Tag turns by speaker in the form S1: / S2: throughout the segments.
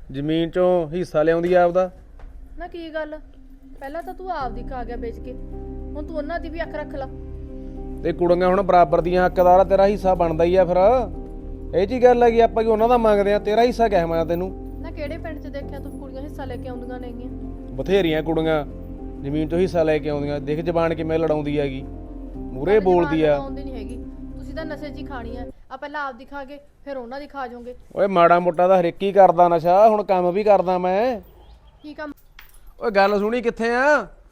S1: ਜ਼ਮੀਨ ਚੋਂ ਹਿੱਸਾ ਲਿਆਉਂਦੀ ਆ ਆਪਦਾ।
S2: ਨਾ ਕੀ ਗੱਲ, ਪਹਿਲਾਂ ਤਾਂ ਤੂੰ ਆਪਦੀ ਖਾ ਗਿਆ ਵੇਚ ਕੇ, ਹੁਣ ਤੂੰ ਉਹਨਾਂ ਦੀ ਵੀ ਅੱਖ ਰੱਖ ਲਾ।
S1: ਤੇ ਕੁੜੀਆਂ ਹੁਣ ਬਰਾਬਰ ਦੀਆਂ ਹੱਕਦਾਰ ਆ, ਤੇਰਾ ਹਿੱਸਾ ਬਣਦਾ ਹੀ ਆ। ਫਿਰ ਇਹ ਜੀ ਗੱਲ ਹੈਗੀ, ਆਪਾਂ ਕਿ ਉਹਨਾਂ ਦਾ ਮੰਗਦੇ ਆ, ਤੇਰਾ ਹਿੱਸਾ ਕਿਹਾ ਮੈਂ ਤੈਨੂੰ।
S2: ਨਾ ਕਿਹੜੇ ਪਿੰਡ 'ਚ ਦੇਖਿਆ ਤੂੰ ਕੁੜੀਆਂ ਹਿੱਸਾ ਲੈ ਕੇ ਆਉਂਦੀਆਂ ਨੇਗੀਆਂ?
S1: ਬਥੇਰੀਆਂ ਕੁੜੀਆਂ ਜ਼ਮੀਨ ਚੋਂ ਹਿੱਸਾ ਲੈ ਕੇ ਆਉਂਦੀਆਂ, ਦੇਖ ਜ਼ਬਾਨ ਕਿਵੇਂ ਲੜਾਉਂਦੀ ਹੈਗੀ, ਮੂਰੇ ਬੋਲਦੀ ਆ।
S2: ਆਉਂਦੀ ਨਹੀਂ ਹੈਗੀ, ਤੁਸੀਂ ਤਾਂ ਨਸ਼ੇ 'ਚ ਹੀ ਖਾਣੀ ਆ। ਆ ਪਹਿਲਾਂ ਆਪਦੀ ਖਾ ਕੇ ਫਿਰ ਉਹਨਾਂ ਦੀ ਖਾ ਜਾਓਗੇ।
S1: ਓਏ ਮਾੜਾ ਮੋਟਾ ਤਾਂ ਹਰੇਕ ਹੀ ਕਰਦਾ ਨਸ਼ਾ, ਹੁਣ ਕੰਮ ਵੀ ਕਰਦਾ ਮੈਂ।
S2: ਕੀ ਕੰਮ?
S1: ਓਏ ਗੱਲ ਸੁਣੀ, ਕਿੱਥੇ ਆ?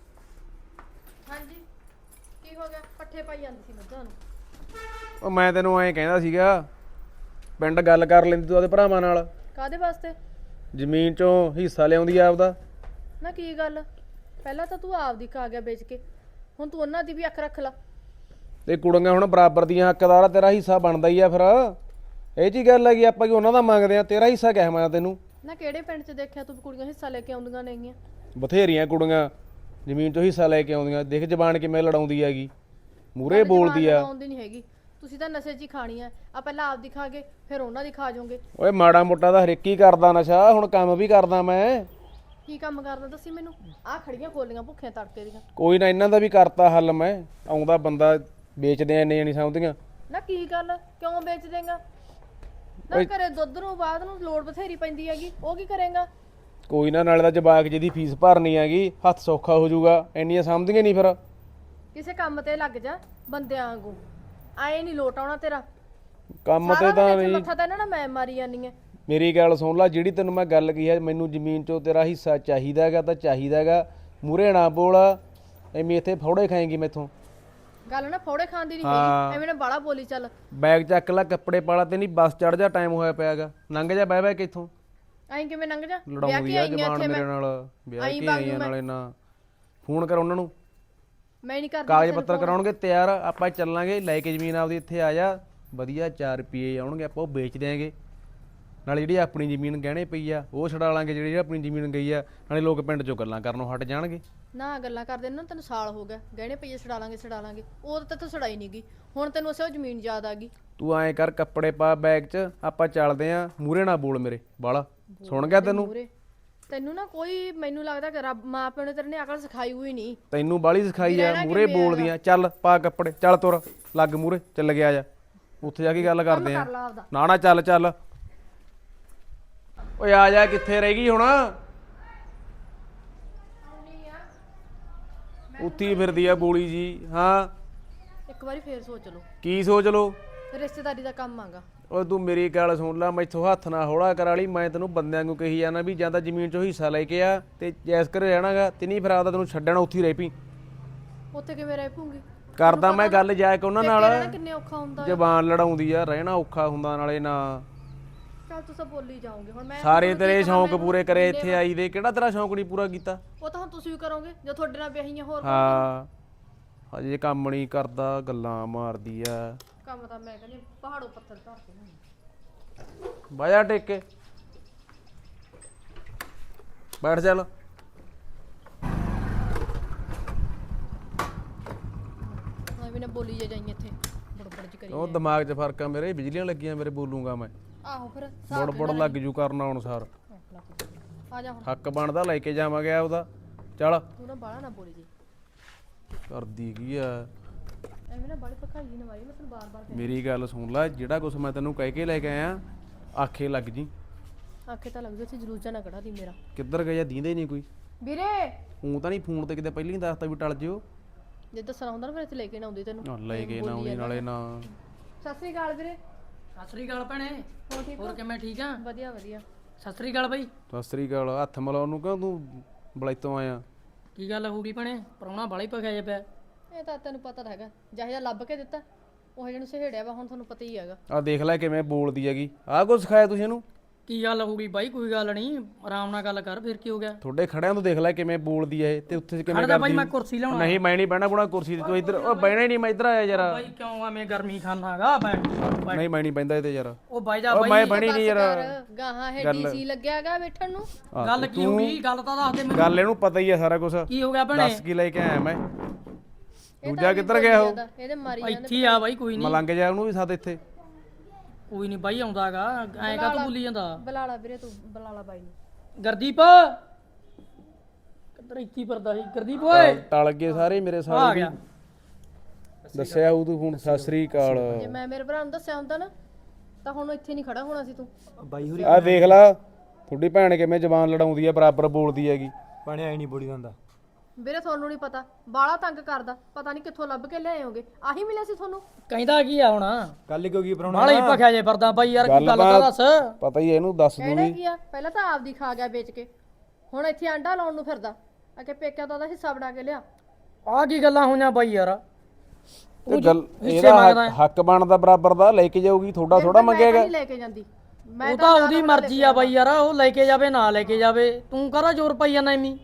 S2: ਹਾਂਜੀ ਕੀ ਹੋ ਗਿਆ? ਪੱਠੇ ਪਾਈ ਜਾਂਦੀ ਸੀ ਮੱਝਾਂ ਨੂੰ।
S1: ਉਹ ਮੈਂ ਤੈਨੂੰ ਐਂ ਕਹਿੰਦਾ ਸੀਗਾ, ਪਿੰਡ ਗੱਲ ਕਰ ਲੈਂਦੀ ਤੂੰ ਆਪਦੇ ਭਰਾਵਾਂ ਨਾਲ।
S2: ਕਾਹਦੇ ਵਾਸਤੇ?
S1: ਜ਼ਮੀਨ ਚੋਂ ਹਿੱਸਾ ਲਿਆਉਂਦੀ ਆ ਆਪਦਾ।
S2: ਨਾ ਕੀ ਗੱਲ, ਪਹਿਲਾਂ ਤਾਂ ਤੂੰ ਆਪਦੀ ਖਾ ਗਿਆ ਵੇਚ ਕੇ, ਹੁਣ ਤੂੰ ਉਹਨਾਂ ਦੀ ਵੀ ਅੱਖ ਰੱਖ ਲਾ।
S1: ਤੇ ਕੁੜੀਆਂ ਹੁਣ ਬਰਾਬਰ ਦੀਆਂ ਹੱਕਦਾਰ ਆ, ਤੇਰਾ ਹਿੱਸਾ ਬਣਦਾ ਹੀ ਆ। ਫਿਰ ਇਹ ਜੀ ਗੱਲ ਹੈਗੀ, ਆਪਾਂ ਕਿ ਉਹਨਾਂ ਦਾ ਮੰਗਦੇ ਆ, ਤੇਰਾ ਹਿੱਸਾ ਕਿਹਾ ਮੈਂ ਤੈਨੂੰ।
S2: ਨਾ ਕਿਹੜੇ ਪਿੰਡ 'ਚ ਦੇਖਿਆ ਤੂੰ ਕੁੜੀਆਂ ਹਿੱਸਾ ਲੈ ਕੇ ਆਉਂਦੀਆਂ ਨੇਗੀਆਂ?
S1: ਬਥੇਰੀਆਂ ਕੁੜੀਆਂ ਜ਼ਮੀਨ ਚੋਂ ਹਿੱਸਾ ਲੈ ਕੇ ਆਉਂਦੀਆਂ, ਦੇਖ ਜ਼ਬਾਨ ਕਿਵੇਂ ਲੜਾਉਂਦੀ ਹੈਗੀ, ਮੂਰੇ ਬੋਲਦੀ ਆ।
S2: ਆਉਂਦੀ ਨਹੀਂ ਹੈਗੀ, ਤੁਸੀਂ ਤਾਂ ਨਸ਼ੇ 'ਚ ਹੀ ਖਾਣੀ ਆ। ਆ ਪਹਿਲਾਂ ਆਪਦੀ ਖਾ ਕੇ ਫਿਰ ਉਹਨਾਂ ਦੀ ਖਾ ਜਾਓਗੇ।
S1: ਓਏ ਮਾੜਾ ਮੋਟਾ ਤਾਂ ਹਰੇਕ ਹੀ ਕਰਦਾ ਨਸ਼ਾ, ਹੁਣ ਕੰਮ ਵੀ ਕਰਦਾ ਮੈਂ।
S2: ਕੀ ਕੰਮ ਕਰਦਾ ਦੱਸੀ ਮੈਨੂੰ? ਆਹ ਖੜੀਆਂ ਖੋਲੀਆਂ ਭੁੱਖੀਆਂ ਤੜਕੇ ਦੀਆਂ।
S1: ਕੋਈ ਨਾ, ਇਹਨਾਂ ਦਾ ਵੀ ਕਰਤਾ ਹੱਲ ਮੈਂ। ਆਉਂਦਾ ਬੰਦਾ ਵੇਚਦੇ ਆ, ਇੰਨੇ ਨਹੀਂ ਸਮਝਦੀਆਂ।
S2: ਨਾ ਕੀ ਗੱਲ, ਕਿਉਂ ਵੇਚ ਦੇਂਗਾ? ਨਾ ਘਰੇ ਦੁੱਧ ਨੂੰ ਬਾਅਦ ਨੂੰ ਲੋੜ ਬਥੇਰੀ ਪੈਂਦੀ ਹੈਗੀ, ਉਹ ਕੀ ਕਰੇਗਾ?
S1: ਕੋਈ ਨਾ, ਨਾਲੇ ਦਾ ਜਵਾਕ ਜਿਹਦੀ ਫੀਸ ਭਰਨੀ ਹੈਗੀ, ਹੱਥ ਸੌਖਾ ਹੋ ਜਾਊਗਾ। ਇੰਨੀਆਂ ਸਮਝਦੀਆਂ ਨਹੀਂ ਫਿਰ।
S2: ਕਿਸੇ ਕੰਮ ਤੇ ਲੱਗ ਜਾ ਬੰਦਿਆਂ ਵਾਂਗੂ, ਆਏ ਨਹੀਂ ਲੋਟ ਆਉਣਾ ਤੇਰਾ
S1: ਕੰਮ ਤੇ ਤਾਂ ਨਹੀਂ।
S2: ਮੱਥਾ ਤਾਂ ਇਹਨਾਂ ਨਾਲ ਮੈਂ ਮਾਰੀ ਜਾਨੀ ਐ।
S1: ਮੇਰੀ ਗੱਲ ਸੁਣ ਲੈ, ਜਿਹੜੀ ਤੈਨੂੰ ਮੈਂ ਗੱਲ ਕਹੀ ਹੈ, ਮੈਨੂੰ ਜ਼ਮੀਨ ਚੋਂ ਤੇਰਾ ਹਿੱਸਾ ਚਾਹੀਦਾ ਹੈਗਾ ਤਾਂ ਚਾਹੀਦਾ ਹੈਗਾ। ਮੂਰੇ ਨਾ ਬੋਲ, ਐਵੇਂ ਇੱਥੇ ਫੌੜੇ ਖਾਏਂਗੀ ਮੈਥੋਂ।
S2: ਗੱਲ ਨਾ ਫੌੜੇ ਖਾਣ ਦੀ ਨਹੀਂ ਹੈਗੀ, ਐਵੇਂ ਨਾ ਬਾਲਾ ਬੋਲੀ ਚੱਲ।
S1: ਬੈਗ ਚੱਕ ਲੈ, ਕੱਪੜੇ ਪਾ ਲਾ, ਤੇ ਨਹੀਂ ਬੱਸ ਚੜ ਜਾ, ਟਾਈਮ ਹੋਇਆ ਪਿਆਗਾ। ਲੰਘ ਜਾ ਬਹਿ ਬਹਿ ਕੇ ਇੱਥੋਂ।
S2: ਐਂ ਕਿਵੇਂ ਲੰਘ ਜਾ?
S1: ਲੜਾਉਂਦੀ ਆ ਜ਼ਬਾਨ ਮੇਰੇ ਨਾਲ, ਵਿਆਹ ਕੇ ਆਈਆਂ ਨਾਲੇ ਨਾ। ਫੋਨ ਕਰ ਉਹਨਾਂ ਨੂੰ,
S2: ਮੈਂ ਨਹੀਂ ਕਰਦੀ।
S1: ਕਾਗਜ਼ ਪੱਤਰ ਕਰਾਉਣਗੇ ਤਿਆਰ, ਆਪਾਂ ਚੱਲਾਂਗੇ ਲੈ ਕੇ ਜ਼ਮੀਨ ਆਪਦੀ। ਇੱਥੇ ਆ ਜਾ, ਵਧੀਆ 4 ਰੁਪਏ ਆਉਣਗੇ, ਆਪਾਂ ਉਹ ਵੇਚ ਦਿਆਂਗੇ। ਨਾਲੇ ਜਿਹੜੀ ਆਪਣੀ ਜ਼ਮੀਨ ਗਹਿਣੇ ਪਈ ਆ ਉਹ ਛਡਾ ਲਾਂਗੇ, ਜਿਹੜੀ ਆਪਣੀ ਜ਼ਮੀਨ ਗਈ ਆ। ਨਾਲੇ ਲੋਕ ਪਿੰਡ 'ਚੋਂ ਗੱਲਾਂ ਕਰਨੋਂ ਹਟ ਜਾਣਗੇ।
S2: ਨਾ ਗੱਲਾਂ ਕਰਦੇ ਨਾ, ਤੈਨੂੰ ਸਾਲ ਹੋ ਗਿਆ ਗਹਿਣੇ ਪਈਏ ਛਡਾ ਲਾਂਗੇ। ਉਹ ਤਾਂ ਤੂੰ ਛੜਾਈ ਨਹੀਂ ਗਈ, ਹੁਣ ਤੈਨੂੰ ਅਸੇ ਉਹ ਜ਼ਮੀਨ ਯਾਦ ਆ ਗਈ।
S1: ਤੂੰ ਐਂ ਕਰ, ਕੱਪੜੇ ਪਾ ਬੈਗ 'ਚ, ਆਪਾਂ ਚੱਲਦੇ ਆਂ। ਮੂਰੇ ਨਾ ਬੋਲ ਮੇਰੇ ਬਾਲਾ, ਸੁਣ ਗਿਆ ਤੈਨੂੰ?
S2: ਤੈਨੂੰ ਨਾ ਕੋਈ, ਮੈਨੂੰ ਲੱਗਦਾ ਕਿ ਰੱਬ ਮਾਂ ਪਿਓ ਨੇ ਤੇਰੇ ਨੇ ਅਕਲ ਸਿਖਾਈ ਹੋਈ ਨਹੀਂ।
S1: ਤੈਨੂੰ ਬਾਲੀ ਸਿਖਾਈ ਆ, ਮੂਰੇ ਬੋਲਦੀਆਂ। ਚੱਲ ਪਾ ਕੱਪੜੇ, ਚੱਲ ਤੁਰ, ਲੱਗ ਮੂਰੇ, ਚੱਲ ਗਿਆ ਜਾ, ਉੱਥੇ ਜਾ ਕੇ ਗੱਲ ਕਰਦੇ ਆ। ਨਾ ਨਾ ਚੱਲ ਚੱਲ। ਓਏ ਆ ਜਾ, ਕਿੱਥੇ ਰਹਿ ਗਈ ਹੁਣ? ਉੱਥੀ ਫਿਰਦੀ ਆ ਬੋਲੀ ਜੀ। ਹਾਂ
S2: ਇੱਕ ਵਾਰੀ ਫੇਰ ਸੋਚ ਲਓ।
S1: ਕੀ ਸੋਚ ਲੋ?
S2: ਰਿਸ਼ਤੇਦਾਰੀ ਦਾ ਕੰਮ ਆਗਾ।
S1: ਓਏ ਤੂੰ ਮੇਰੀ ਗੱਲ ਸੁਣ ਲੈ, ਮੈਥੋਂ ਹੱਥ ਨਾ ਹੌਲਾ ਕਰਾ ਲਈ। ਮੈਂ ਤੈਨੂੰ ਬੰਦਿਆਂ ਨੂੰ ਕਹੀ ਜਾਣਾ ਵੀ ਜਾਂ ਤਾਂ ਜ਼ਮੀਨ 'ਚੋਂ ਹਿੱਸਾ ਲੈ ਕੇ ਆ ਤੇ ਜੈਸ ਕਰ ਰਹਿਣਾਗਾ, ਤੇ ਨਹੀਂ ਫਿਰ ਆਪਦਾ ਤੈਨੂੰ ਛੱਡਣਾ, ਉੱਥੇ ਰਹਿ ਪਈ।
S2: ਉੱਥੇ ਕਿਵੇਂ ਰਹਿ ਪੂੰਗੀ?
S1: ਕਰਦਾ ਮੈਂ ਗੱਲ ਜਾ ਕੇ ਉਹਨਾਂ ਨਾਲ।
S2: ਕਿੰਨੇ ਔਖਾ ਹੁੰਦਾ,
S1: ਜ਼ਬਾਨ ਲੜਾਉਂਦੀ ਆ, ਰਹਿਣਾ ਔਖਾ ਹੁੰਦਾ ਨਾਲੇ ਨਾ।
S2: ਚੱਲ ਤੂੰ ਸਭ ਬੋਲੀ ਜਾਓਗੇ ਹੁਣ। ਮੈਂ
S1: ਸਾਰੇ ਤੇਰੇ ਸ਼ੌਂਕ ਪੂਰੇ ਕਰੇ ਇੱਥੇ ਆਈ ਦੇ, ਕਿਹੜਾ ਤੇਰਾ ਸ਼ੌਂਕ ਨਹੀਂ ਪੂਰਾ ਕੀਤਾ?
S2: ਉਹ ਤਾਂ ਹੁਣ ਤੁਸੀਂ ਵੀ ਕਰੋਗੇ ਜੇ ਤੁਹਾਡੇ ਨਾਲ ਵਿਆਹੀਆਂ। ਹੋਰ
S1: ਹਾਂ ਹਜੇ ਕੰਮ ਨਹੀਂ ਕਰਦਾ, ਗੱਲਾਂ ਮਾਰਦੀ ਆ।
S2: ਕੰਮ ਤਾਂ ਮੈਂ ਕਹਿੰਦੀ ਪਹਾੜੋਂ ਪੱਥਰ ਧਰ ਕੇ
S1: ਬਾਜਾ ਟੇਕ ਕੇ ਬੈਠ, ਚੱਲ।
S2: ਐਵੇਂ ਨਾ ਬੋਲੀ ਜਾਈਂ ਇੱਥੇ ਬੜਬੜ ਚ ਕਰੀ।
S1: ਉਹ ਦਿਮਾਗ 'ਚ ਫਰਕ ਆ ਮੇਰੇ, ਬਿਜਲੀਆਂ ਲੱਗੀਆਂ ਮੇਰੇ, ਬੋਲੂੰਗਾ ਮੈਂ।
S2: ਆਹੋ ਫਿਰ
S1: ਬੜ ਲੱਗ ਜੂ ਕਰਨਾ ਅਨੁਸਾਰ।
S2: ਆ ਜਾ ਹੁਣ,
S1: ਹੱਕ ਬਣਦਾ, ਲੈ ਕੇ ਜਾਵਾਂਗੇ ਆਪਦਾ। ਚੱਲ।
S2: ਤੂੰ ਨਾ ਬਾਲਾ ਨਾ ਬੋਲੀ ਜੀ,
S1: ਕਰਦੀ ਕੀ ਆ?
S2: ਐਵੇਂ ਨਾ ਬਾਲੀ ਪਕਾਈ ਨਾ ਮਾਰੀ। ਮੈਂ ਤੈਨੂੰ ਬਾਰ-ਬਾਰ
S1: ਮੇਰੀ ਗੱਲ ਸੁਣ ਲੈ, ਜਿਹੜਾ ਕੁਛ ਮੈਂ ਤੈਨੂੰ ਕਹਿ ਕੇ ਲੈ ਕੇ ਆਇਆ ਆਖੇ ਲੱਗ ਜੀ।
S2: ਆਖੇ ਤਾਂ ਲੱਗਦਾ ਸੀ, ਜਲੂਸਾ ਨਾ ਕਢਾ ਦੀ ਮੇਰਾ।
S1: ਕਿੱਧਰ ਗਿਆ? ਦੀਂਦੇ ਨਹੀਂ ਕੋਈ
S2: ਵੀਰੇ
S1: ਉਹ ਤਾਂ ਨਹੀਂ, ਫੋਨ ਤੇ ਕਿਤੇ ਪਹਿਲਾਂ ਹੀ ਦੱਸਤਾ ਵੀ ਟਲ ਜਿਓ।
S2: ਜੇ ਦੱਸਣਾ ਹੁੰਦਾ ਨਾ ਫਿਰ ਇੱਥੇ ਲੈ ਕੇ ਨਾ ਆਉਂਦੀ ਤੈਨੂੰ।
S1: ਲੈ ਕੇ ਨਾ ਆਉਂਦੀ ਨਾਲੇ ਨਾ।
S2: ਸਤਿ ਸ੍ਰੀ ਅਕਾਲ ਵੀਰੇ।
S3: ਸਤਿ ਸ੍ਰੀ ਅਕਾਲ ਭੈਣੇ, ਹੋਰ ਕਿਵੇਂ? ਠੀਕ ਆ?
S2: ਵਧੀਆ ਵਧੀਆ।
S3: ਸਤਿ ਸ੍ਰੀ ਅਕਾਲ ਬਾਈ।
S1: ਸਤਿ ਸ੍ਰੀ ਅਕਾਲ। ਹੱਥ ਮਿਲਾਉਣ ਨੂੰ ਕਿਉਂ ਤੂੰ ਬਲੈਤੋਂ ਆਇਆ?
S3: ਕੀ ਗੱਲ ਹੋ ਗਈ ਭੈਣੇ? ਪ੍ਰਾਹੁਣਾ ਬਾਲਾ ਹੀ ਪਖਿਆ ਜੇ ਪਿਆ।
S2: ਇਹ ਤਾਂ ਤੈਨੂੰ ਪਤਾ ਤਾਂ ਹੈਗਾ, ਜਿਹੋ ਜਿਹਾ ਲੱਭ ਕੇ ਦਿੱਤਾ ਉਹ ਜਿਹਨੂੰ ਸਹੇੜਿਆ ਵਾ, ਹੁਣ ਤੁਹਾਨੂੰ ਪਤਾ ਹੀ ਹੈਗਾ।
S1: ਆ ਦੇਖ ਲੈ ਕਿਵੇਂ ਬੋਲਦੀ ਹੈਗੀ। ਆਹ ਕੁਛ ਸਿਖਾਇਆ ਤੁਸੀਂ ਇਹਨੂੰ?
S3: ਕੀ ਗੱਲ ਹੋ ਗਈ ਬਾਈ? ਕੋਈ ਗੱਲ ਨਹੀਂ, ਆਰਾਮ ਨਾਲ ਗੱਲ ਕਰ। ਫਿਰ ਕੀ ਹੋ ਗਿਆ?
S1: ਤੁਹਾਡੇ ਖੜਿਆਂ ਤੋਂ ਦੇਖ ਲੈ ਕਿਵੇਂ ਬੋਲਦੀ ਹੈ ਇਹ, ਤੇ ਉੱਥੇ ਕਿਵੇਂ
S3: ਖੜਦਾ ਬਾਈ,
S1: ਕਰਦੀ।
S3: ਮੈਂ ਕੁਰਸੀ ਲਾਉਣਾ।
S1: ਨਹੀਂ ਮੈਂ ਨਹੀਂ ਬਹਿਣਾ ਬੁਣਾ ਕੁਰਸੀ ਤੇ, ਤੂੰ ਇੱਧਰ। ਉਹ ਬਹਿਣਾ ਹੀ ਨਹੀਂ, ਮੈਂ ਇੱਧਰ ਆਇਆ ਯਾਰ।
S3: ਬਾਈ ਕਿਉਂ ਐਵੇਂ ਗਰਮੀ ਖਾਨਾਗਾ?
S1: ਨਹੀਂ ਮੈਂ ਨਹੀਂ ਬਹਿੰਦਾ ਇੱਥੇ ਯਾਰ।
S3: ਉਹ ਬਾਈ ਜਾ
S1: ਉਹ
S3: ਬਾਈ,
S1: ਮੈਂ ਬਣੀ ਨਹੀਂ ਯਾਰ।
S2: ਗਾਹਾਂ ਹੈ ਡੀਸੀ ਲੱਗਿਆਗਾ ਬੈਠਣ ਨੂੰ।
S3: ਗੱਲ ਕੀ ਹੋ ਗਈ? ਗੱਲ ਤਾਂ ਦੱਸ ਦੇ ਮੈਨੂੰ।
S1: ਗੱਲ ਇਹਨੂੰ ਪਤਾ ਹੀ ਆ ਸਾਰਾ ਕੁਝ।
S3: ਕੀ ਹੋ ਗਿਆ ਭੈਣੇ?
S1: ਦੱਸ ਕੀ ਲੈ ਕੇ ਆਇਆ ਮੈਂ? ਦੂਜਾ ਕਿੱਧਰ ਗਿਆ ਉਹ?
S2: ਇਹਦੇ ਮਾਰੀ
S3: ਇੱਥੇ ਆ ਬਾਈ, ਕੋਈ ਨਹੀਂ।
S1: ਮਲੰਗ ਜਾ ਉਹਨੂੰ ਵੀ ਸਾਥ ਇੱਥੇ।
S3: ਕੋਈ ਨਹੀਂ ਬਾਈ ਆਉਂਦਾਗਾ ਐਂ ਕਾ ਤੂੰ ਭੁੱਲੀ ਜਾਂਦਾ
S2: ਬੁਲਾ ਵੀਰੇ ਤੂੰ ਬੁਲਾ ਲਾ ਬਾਈ ਨੂੰ
S3: ਗਰਦੀਪ ਕਿੱਧਰ ਇੱਥੇ ਫਿਰਦਾ ਸੀ ਗਰਦੀਪ ਓਏ
S1: ਟਲ ਗਏ ਸਾਰੇ ਮੇਰੇ
S3: ਆ
S1: ਸਾਰੇ
S3: ਗਿਆ
S1: ਦੱਸਿਆ ਉਹ ਤੂੰ ਹੁਣ ਸਤਿ ਸ੍ਰੀ ਅਕਾਲ
S2: ਜੇ ਮੈਂ ਮੇਰੇ ਭਰਾ ਨੂੰ ਦੱਸਿਆ ਹੁੰਦਾ ਨਾ ਤਾਂ ਹੁਣ ਇੱਥੇ ਨਹੀਂ ਖੜਾ ਹੋਣਾ ਸੀ ਤੂੰ
S4: ਬਾਈ ਹੋਰੀ
S1: ਆ ਦੇਖ ਲਾ ਤੁਹਾਡੀ ਭੈਣ ਕਿਵੇਂ ਜ਼ਬਾਨ ਲੜਾਉਂਦੀ ਆ ਬਰਾਬਰ ਬੋਲਦੀ ਹੈਗੀ
S4: ਬਣਿਆ ਹੀ ਨਹੀਂ ਬੋਲੀ ਜਾਂਦਾ
S2: ਵੀਰੇ ਤੁਹਾਨੂੰ ਨਹੀਂ ਪਤਾ ਬਾਲਾ ਤੰਗ ਕਰਦਾ ਪਤਾ ਨਹੀਂ ਕਿੱਥੋਂ ਲੱਭ ਕੇ ਲਿਆਏ ਹੋਗੇ ਆਹੀ ਮਿਲਿਆ ਸੀ ਤੁਹਾਨੂੰ
S3: ਕਹਿੰਦਾ ਕੀ ਆ ਹੁਣ
S4: ਗੱਲ ਕਿਉਂ ਕੀ ਪਰਾਉਣਾ
S3: ਬਾਲਾ ਹੀ ਭਖਿਆ ਜੇ ਫਿਰਦਾ ਬਾਈ ਯਾਰ ਕੀ ਗੱਲ ਤਾਂ ਦੱਸ
S1: ਪਤਾ ਹੀ ਹੈ ਇਹਨੂੰ ਦੱਸ
S2: ਕਹਿਣਾ
S1: ਦੂਗੀ
S2: ਕੀ ਆ ਪਹਿਲਾਂ ਤਾਂ ਆਪਦੀ ਖਾ ਗਿਆ ਵੇਚ ਕੇ ਹੁਣ ਇੱਥੇ ਆਂਡਾ ਲਾਉਣ ਨੂੰ ਫਿਰਦਾ ਅਕੇ ਪੇਕਿਆਂ ਤੋਂ ਉਹਦਾ ਹਿੱਸਾ ਬਣਾ ਕੇ ਲਿਆ
S3: ਆ ਕੀ ਗੱਲਾਂ ਹੋਈਆਂ ਬਾਈ ਯਾਰ
S1: ਤੇ ਗੱਲ ਇਹਦਾ ਹੱਕ ਬਣਦਾ ਬਰਾਬਰ ਦਾ ਲੈ ਕੇ ਜਾਊਗੀ ਥੋੜਾ ਥੋੜਾ ਮੰਗੇਗਾ
S2: ਨਹੀਂ ਲੈ ਕੇ ਜਾਂਦੀ ਮੈਂ
S3: ਉਹ ਤਾਂ ਉਹਦੀ ਮਰਜ਼ੀ ਆ ਬਾਈ ਯਾਰ ਉਹ ਲੈ ਕੇ ਜਾਵੇ ਨਾ ਲੈ ਕੇ ਜਾਵੇ ਤੂੰ ਕਰਾ ਜ਼ੋਰ ਪਾਈ ਜਾਂਦਾ ਐਵੇਂ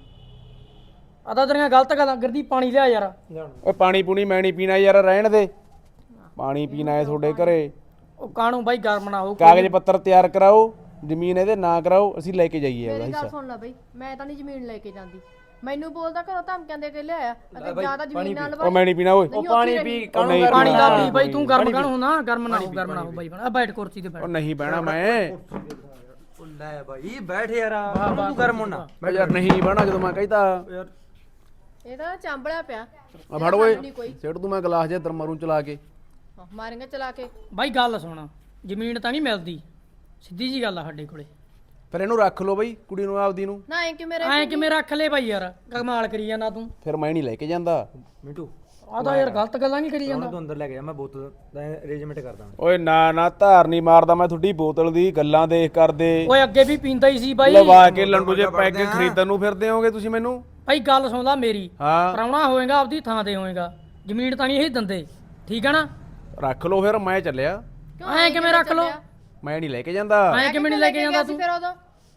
S3: ਆ ਤਾਂ ਤੇਰੀਆਂ ਗਲਤ ਗੱਲਾਂ ਗਰਦੀ ਪਾਣੀ ਲਿਆ ਯਾਰ
S1: ਓਏ ਪਾਣੀ ਪੂਣੀ ਮੈਂ ਨਹੀਂ ਪੀਣਾ ਯਾਰ ਰਹਿਣ ਦੇ ਪਾਣੀ ਪੀਣਾ ਹੈ ਤੁਹਾਡੇ ਘਰੇ
S3: ਉਹ ਕਾਣੂ ਬਾਈ ਗਰਮ ਨਾ ਹੋ
S1: ਕਾਗਜ਼ ਪੱਤਰ ਤਿਆਰ ਕਰਾਓ ਜ਼ਮੀਨ ਇਹਦੇ ਨਾਂ ਕਰਾਓ ਅਸੀਂ ਲੈ ਕੇ ਜਾਈਏ ਉਹਦਾ
S2: ਮੇਰੀ ਗੱਲ
S1: ਹਿੱਸਾ
S2: ਸੁਣ ਲੈ ਬਈ ਮੈਂ ਤਾਂ ਨਹੀਂ ਜ਼ਮੀਨ ਲੈ ਕੇ ਜਾਂਦੀ ਮੈਨੂੰ ਬੋਲਦਾ ਘਰੋਂ ਧਮਕੀਆਂ ਦੇ ਕੇ ਲਿਆਇਆ ਅਤੇ ਜਿਆਦਾ ਜ਼ਮੀਨ ਨਾਲ
S1: ਉਹ ਮੈਂ ਨਹੀਂ ਪੀਣਾ ਓਏ
S4: ਉਹ ਪਾਣੀ ਪੀ
S3: ਪਾਣੀ ਦਾ ਪੀ ਬਾਈ ਤੂੰ ਗਰਮ ਕਾਣੂ ਨਾ ਗਰਮ ਨਾ ਹੋ ਬਾਈ ਆ ਬੈਠ ਕੁਰਸੀ ਤੇ ਬੈਠ
S1: ਉਹ ਨਹੀਂ ਬਹਿਣਾ ਮੈਂ
S4: ਉਹ ਲੈ ਬਾਈ ਬੈਠ ਯਾਰ ਤੂੰ ਗਰਮ ਹੋਣਾ
S1: ਮੈਂ ਯਾਰ ਨਹੀਂ ਬਹਿਣਾ ਜਦੋਂ ਮੈਂ ਕਹਿੰਦਾ
S4: ਯਾਰ
S2: ਇਹ ਤਾਂ ਚਾਂਬਲਿਆ ਪਿਆ
S1: ਆ ਫੜ ਓਏ
S2: ਨਹੀਂ ਕੋਈ
S1: ਸਿੱਟ ਤੂੰ ਮੈਂ ਗਲਾਸ ਜੇ ਤਰ ਮਰੂ ਚਲਾ ਕੇ
S2: ਮਾਰਾਂਗੇ ਚਲਾ ਕੇ
S3: ਬਾਈ ਗੱਲ ਸੁਣ ਜ਼ਮੀਨ ਤਾਂ ਨਹੀਂ ਮਿਲਦੀ ਸਿੱਧੀ ਜੀ ਗੱਲ ਆ ਸਾਡੇ ਕੋਲੇ
S1: ਫਿਰ ਇਹਨੂੰ ਰੱਖ ਲਓ ਬਈ ਕੁੜੀ ਨੂੰ ਆਪਦੀ ਨੂੰ
S2: ਨਾ ਐ ਕਿ ਮੇਰੇ
S3: ਐਂ ਕਿਵੇਂ ਰੱਖ ਲੈ ਬਾਈ ਯਾਰ ਕਮਾਲ ਕਰੀ ਜਾਂਦਾ ਤੂੰ
S1: ਫਿਰ ਮੈਂ ਨਹੀਂ ਲੈ ਕੇ ਜਾਂਦਾ
S4: ਮਿੰਟੂ
S3: ਆ ਤਾਂ ਯਾਰ ਗਲਤ ਗੱਲਾਂ ਨਹੀਂ ਕਰੀ ਜਾਂਦਾ
S4: ਤੂੰ ਅੰਦਰ ਲੈ ਕੇ ਜਾ ਮੈਂ ਬੋਤਲ ਦਾ ਅਰੇਂਜਮੈਂਟ ਕਰਦਾ
S1: ਓਏ ਨਾ ਨਾ ਧਾਰ ਨਹੀਂ ਮਾਰਦਾ ਮੈਂ ਤੁਹਾਡੀ ਬੋਤਲ ਦੀ ਗੱਲਾਂ ਦੇਖ ਕਰਦੇ
S3: ਓਏ ਅੱਗੇ ਵੀ ਪੀਂਦਾ ਹੀ ਸੀ ਬਾਈ
S1: ਲਵਾ ਕੇ ਲੰਡੂ ਜੇ ਪੈਗ ਖਰੀਦਣ ਨੂੰ ਫਿਰਦੇ ਹੋਗੇ ਤੁਸੀਂ ਮੈਨੂੰ
S3: ਬਾਈ ਗੱਲ ਸੁਣਦਾ ਮੇਰੀ
S1: ਹਾਂ
S3: ਪ੍ਰਾਹੁਣਾ ਹੋਏਗਾ ਆਪਦੀ ਥਾਂ ਤੇ ਹੋਏਗਾ ਜ਼ਮੀਨ ਤਾਂ ਨਹੀਂ ਇਹ ਦਿੰਦੇ ਠੀਕ ਆ ਨਾ
S1: ਰੱਖ ਲਓ ਫਿਰ ਮੈਂ ਚੱਲਿਆ
S3: ਐਂ ਕਿਵੇਂ ਰੱਖ ਲੋ
S1: ਮੈਂ ਨਹੀਂ ਲੈ ਕੇ ਜਾਂਦਾ
S3: ਐਂ ਕਿਵੇਂ ਨਹੀਂ ਲੈ ਕੇ ਜਾਂਦਾ ਤੂੰ
S2: ਫਿਰ ਉਦੋਂ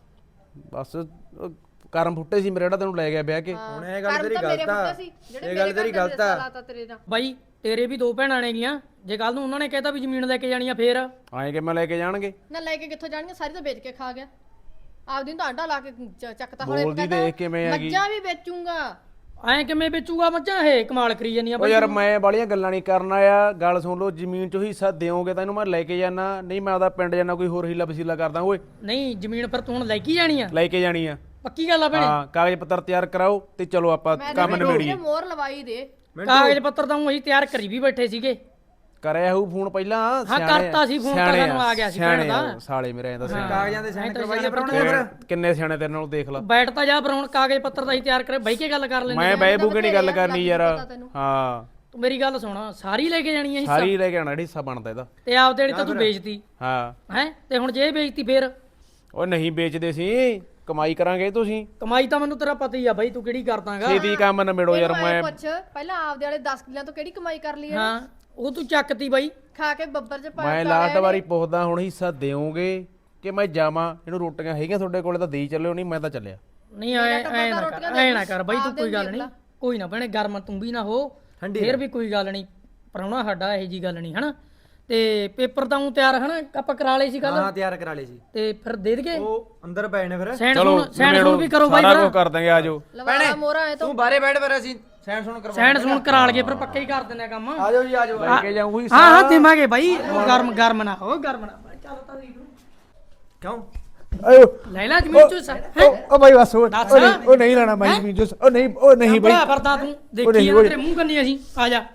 S1: ਬਸ ਕਰਮ ਫੁੱਟੇ ਸੀ ਮੇਰੇ ਜਿਹੜਾ ਤੈਨੂੰ ਲੈ ਗਿਆ ਵਿਆਹ ਕੇ
S4: ਹੁਣ ਇਹ ਗੱਲ ਤੇਰੀ ਗਲਤ ਆ
S2: ਇਹ ਗੱਲ ਤੇਰੀ ਗਲਤ ਆ ਤੇਰੇ ਨਾਲ
S3: ਬਾਈ ਤੇਰੇ ਵੀ ਦੋ ਭੈਣਾਂ ਨੇਗੀਆਂ ਜੇ ਕੱਲ ਨੂੰ ਉਹਨਾਂ ਨੇ ਕਹਿਤਾ ਵੀ ਜ਼ਮੀਨ ਲੈ ਕੇ ਜਾਣੀ ਆ ਫੇਰ
S1: ਆਏ ਕਿ ਮੈਂ ਲੈ ਕੇ ਜਾਣਗੇ
S2: ਨਾ ਲੈ ਕੇ ਕਿੱਥੋਂ ਜਾਣਗੇ ਸਾਰੀ ਤਾਂ ਵੇਚ ਕੇ ਖਾ ਗਿਆ ਆਪਦੀ ਨੂੰ ਤਾਂ ਆਂਡਾ ਲਾ ਕੇ ਚੱਕਤਾ ਹੋਲੇ
S1: ਬੋਲਦੀ ਦੇਖ ਕਿਵੇਂ ਹੈਗੀ
S2: ਮੱਝਾਂ ਵੀ ਵੇਚੂੰਗਾ
S3: ਐਂ ਕਿਵੇਂ ਵੇਚੂਗਾ ਮੱਝਾਂ ਇਹ ਕਮਾਲ ਕਰੀ ਜਾਂਦੀਆਂ
S1: ਓ
S3: ਬਾਈ
S1: ਯਾਰ ਮੈਂ ਬਾਲੀਆਂ ਗੱਲਾਂ ਨਹੀਂ ਕਰਨ ਆਇਆ ਗੱਲ ਸੁਣ ਲਓ ਜ਼ਮੀਨ ਚੋਂ ਹਿੱਸਾ ਦਿਓਗੇ ਤਾਂ ਇਹਨੂੰ ਮੈਂ ਲੈ ਕੇ ਜਾਣਾ ਨਹੀਂ ਮੈਂ ਉਹਦਾ ਪਿੰਡ ਜਾਣਾ ਕੋਈ ਹੋਰ ਹੀਲਾ ਵਸੀਲਾ ਕਰਦਾ ਓਏ
S3: ਨਹੀਂ ਜ਼ਮੀਨ ਫਿਰ ਤੂੰ ਹੁਣ ਲੈ ਕੇ ਜਾਣੀ ਆ
S1: ਲੈ ਕੇ ਜਾਣੀ ਆ
S3: ਪੱਕੀ ਗੱਲ ਆ ਭੈਣੇ
S1: ਹਾਂ ਕਾਗਜ਼ ਪੱਤਰ ਤਿਆਰ ਕਰਾਓ ਤੇ ਚਲੋ ਆਪਾਂ ਕੰਮ ਨਿਬੇੜੀਏ
S2: ਮੋਹਰ ਲਵਾਈ ਦੇ
S3: ਕਾਗਜ਼ ਪੱਤਰ ਤਾਂ ਅਸੀਂ ਤਿਆਰ ਕਰੀ ਵੀ ਬੈਠੇ ਸੀਗੇ
S1: ਕਰਿਆ ਹੋਊ ਫੋਨ ਪਹਿਲਾਂ
S3: ਹਾਂ ਕਰਤਾ ਸੀ ਫੋਨ ਤਾਂ ਸਾਨੂੰ ਆ ਗਿਆ ਸੀ ਭੈਣ ਦਾ
S1: ਸਾਲੇ ਮੇਰੇ ਐਂ ਦੱਸਿਆ
S4: ਕਾਗਜ਼ਾਂ ਦੇ ਸਾਈਨ ਕਰਵਾਈਏ ਪਰਾਉਣੇ ਫਿਰ
S1: ਕਿੰਨੇ ਸਿਆਣੇ ਤੇਰੇ ਨਾਲ ਦੇਖ ਲਾ
S3: ਬੈਠ ਤਾਂ ਜਾ ਪਰ ਹੁਣ ਕਾਗਜ਼ ਪੱਤਰ ਦਾ ਹੀ ਤਿਆਰ ਕਰੇ ਬਹਿ ਕੇ ਗੱਲ ਕਰ ਲੈਂਦੇ
S1: ਮੈਂ ਬਹਿ ਬੂਗੇ ਨਹੀਂ ਗੱਲ ਕਰਨੀ ਯਾਰ ਹਾਂ
S3: ਤੂੰ ਮੇਰੀ ਗੱਲ ਸੁਣ ਸਾਰੀ ਲੈ ਕੇ ਜਾਣੀ ਆ ਹਿੱਸਾ
S1: ਸਾਰੀ ਲੈ ਕੇ ਆਣਾ ਹਿੱਸਾ ਬਣਦਾ ਇਹਦਾ
S3: ਤੇ ਆਪਦੇ ਜਿਹੜੀ ਤਾਂ ਤੂੰ ਵੇਚਤੀ
S1: ਹਾਂ
S3: ਹੈ ਤੇ ਹੁਣ ਜੇ ਇਹ ਵੇਚਤੀ ਫੇਰ
S1: ਓ ਨਹੀਂ ਵੇਚਦੇ ਸੀ ਕਮਾਈ ਕਰਾਂਗੇ ਤੁਸੀਂ
S3: ਕਮਾਈ ਤਾਂ ਮੈਨੂੰ ਤੇਰਾ ਪਤਾ ਹੀ ਆ ਬਾਈ ਤੂੰ ਕਿਹੜੀ ਕਰਦਾਗਾ
S1: ਛੇਤੀ ਕੰਮ ਨਿਬੇੜੋ ਯਾਰ ਮੈਂ
S2: ਪੁੱਛ ਪਹਿਲਾਂ ਆਪਦੇ ਵਾਲੇ 10 ਕਿੱਲਿਆਂ ਤੋਂ ਕਿਹੜੀ ਕਮਾਈ ਕਰ ਲਈ
S3: ਹਾਂ ਉਹ ਤੂੰ ਚੱਕਤੀ ਬਾਈ
S2: ਖਾ ਕੇ ਬੱਬਰ ਚ ਪਾ
S1: ਮੈਂ ਲਾਸਟ ਵਾਰੀ ਪੁੱਛਦਾ ਹੁਣ ਹਿੱਸਾ ਦਿਓਗੇ ਕਿ ਮੈਂ ਜਾਵਾਂ ਇਹਨੂੰ ਰੋਟੀਆਂ ਹੈਗੀਆਂ ਤੁਹਾਡੇ ਕੋਲੇ ਤਾਂ ਦੇਈ ਚੱਲਿਓ ਨਹੀਂ ਮੈਂ ਤਾਂ ਚੱਲਿਆ
S3: ਨਹੀਂ ਐ ਨਾ ਕਰ ਬਾਈ ਤੂੰ ਕੋਈ ਗੱਲ ਨਹੀਂ ਕੋਈ ਨਾ ਭੈਣੇ ਗਰਮ ਤੂੰ ਵੀ ਨਾ ਹੋ ਫੇਰ ਵੀ ਕੋਈ ਗੱਲ ਨਹੀਂ ਪ੍ਰਾਹੁਣਾ ਸਾਡਾ ਇਹੋ ਜੀ ਗੱਲ ਨਹੀਂ ਹਨਾ ਤੇ ਪੇਪਰ ਤਾਂ ਉਹ ਤਿਆਰ ਹਨਾ ਆਪਾਂ ਕਰਾ ਲਏ ਸੀ ਕੱਲ
S4: ਹਾਂ ਤਿਆਰ ਕਰਾ ਲਏ ਸੀ
S3: ਤੇ ਫਿਰ ਦੇ ਦਈਏ
S4: ਉਹ ਅੰਦਰ ਪਏ ਨੇ ਫਿਰ
S3: ਸੈਂਡ ਸੁਣ ਵੀ ਕਰੋ ਬਾਈ
S1: ਸਾਰਾ ਕੁਝ ਕਰ ਦਾਂਗੇ ਆਜੋ
S2: ਲਵਾੜਾ ਮੋਰਾ ਐ ਤਾਂ
S4: ਤੂੰ ਬਾਰੇ ਬੈਠ ਫਿਰ ਅਸੀਂ ਸਾਈਨ ਸੁਣ ਕਰਵਾ
S3: ਸੈਂਡ ਸੁਣ ਕਰਾ ਲਈਏ ਫਿਰ ਪੱਕੇ ਹੀ ਕਰ ਦਿੰਦੇ ਆ ਕੰਮ
S4: ਆਜੋ ਜੀ ਆਜੋ
S1: ਲੈ ਕੇ ਜਾਊਂ ਹਿੱਸਾ
S3: ਹਾਂ ਹਾਂ ਦੇਵਾਂਗੇ ਬਾਈ ਗਰਮ ਨਾ ਹੋ ਗਰਮ ਨਾ ਚੱਲ ਤਾਂ ਸਹੀ ਤੂੰ
S4: ਕਿਉਂ
S1: ਆਇਓ
S3: ਲੈ ਲੈ ਜ਼ਮੀਨ ਚੋਂ
S1: ਓ ਬਾਈ ਬਸ ਉਹ ਨਹੀਂ ਲੈਣਾ ਮੈਂ ਜ਼ਮੀਨ ਜੋ ਉਹ ਨਹੀਂ ਬਾਈ
S3: ਬੜਾ ਫਿਰਦਾ ਤੂੰ ਦੇਖੀ ਆ ਤੇਰੇ ਮੂੰਹ ਕੰਨੀ ਅਸੀਂ ਆ ਜਾ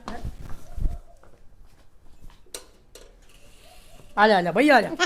S3: ਆ ਜਾ ਬਈ ਆ ਜਾ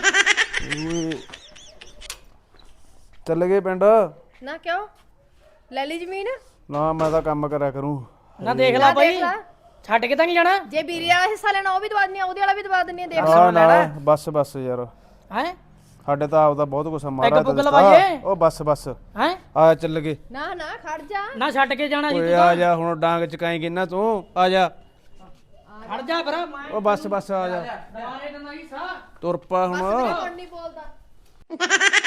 S1: ਚੱਲ ਗਏ ਪਿੰਡ
S2: ਨਾ ਕਿਉਂ ਲੈ ਲਈ ਜ਼ਮੀਨ
S1: ਨਾ ਮੈਂ ਤਾਂ ਕੰਮ ਕਰਿਆ ਕਰੂੰ
S3: ਨਾ ਦੇਖ ਲੈ ਬਾਈ ਛੱਡ ਕੇ ਤਾਂ ਨਹੀਂ ਜਾਣਾ
S2: ਜੇ ਵੀਰੇ ਵਾਲਾ ਹਿੱਸਾ ਲੈਣਾ ਉਹ ਵੀ ਦਵਾ ਦਿੰਨੀ ਆ ਉਹਦੇ ਵਾਲਾ ਵੀ ਦਵਾ ਦਿੰਨੀ ਆ ਦੇਖ
S1: ਨਾ ਬਸ ਯਾਰ
S3: ਹੈ
S1: ਸਾਡੇ ਤਾਂ ਆਪਦਾ ਬਹੁਤ ਕੁਛ ਮਾਰਾ
S3: ਪੁੱਗ ਲਵਾਈਏ
S1: ਉਹ ਬਸ
S3: ਹੈ
S1: ਆ ਚੱਲ ਗਏ
S2: ਨਾ ਖੜ ਜਾ
S3: ਨਾ ਛੱਡ ਕੇ ਜਾਣਾ ਜੀ
S1: ਓਏ
S3: ਤੂੰ
S1: ਆ ਜਾ ਹੁਣ ਡਾਂਗ ਚਕਾਏਂਗੇ ਨਾ ਤੂੰ ਆ ਜਾ
S3: ਖੜ ਜਾ ਫਿਰ ਮੈਂ
S1: ਉਹ ਬਸ ਆ ਜਾ
S3: ਦੁਬਾਰੇ ਦੰਦਾ ਹੀ ਸਾ
S1: ਤੁਰ ਪਾ ਹੁਣ
S2: ਕੌਣ ਨਹੀਂ ਬੋਲਦਾ